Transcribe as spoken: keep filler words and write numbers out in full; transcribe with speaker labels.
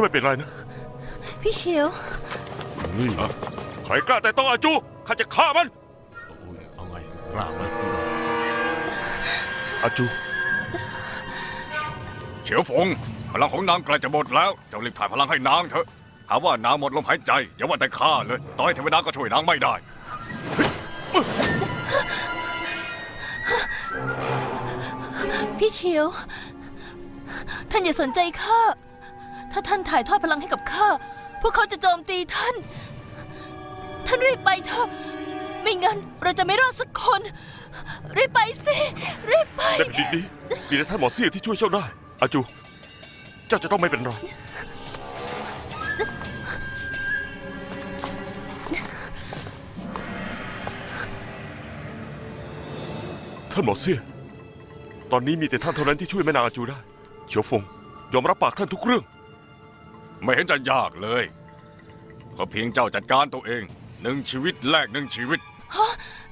Speaker 1: จะไม่เป็นไรนะ
Speaker 2: พี่เฉียว
Speaker 1: นี่นะใครกล้าแต่ต้องอาจูข้าจะฆ่ามัน
Speaker 3: เอาไงกล้าไหม
Speaker 1: อาจู
Speaker 4: เฉียวฟงพลังของนางใกล้จะหมดแล้วเจ้ารีบถ่ายพลังให้นางเถอะหาว่านางหมดลมหายใจอย่าว่าแต่ข้าเลยต่อให้เทวดาก็ช่วยนางไม่ได้
Speaker 2: พี่เฉียวท่านอย่าสนใจข้าถ้าท่านถ่ายทอดพลังให้กับข้าพวกเขาจะโจมตีท่านท่านรีบไปเถอะไม่งั้นเราจะไม่รอดสักคนรีบไปสิรีบไป
Speaker 1: ในแผ่นดินนี้มีแต่ท่านหมอเสี่ยที่ช่วยเจ้าได้อาจูเจ้าจะต้องไม่เป็นไรท่านหมอเสี่ยตอนนี้มีแต่ท่านเท่านั้นที่ช่วยแม่นางอาจูได้เฉียวฟงยอมรับปากท่านทุกเรื่อง
Speaker 4: ไม่เห็นจะยากเลยก็เพียงเจ้าจัดการตัวเองหนึ่งชีวิตแลกหนึ่งชีวิต
Speaker 2: ฮะ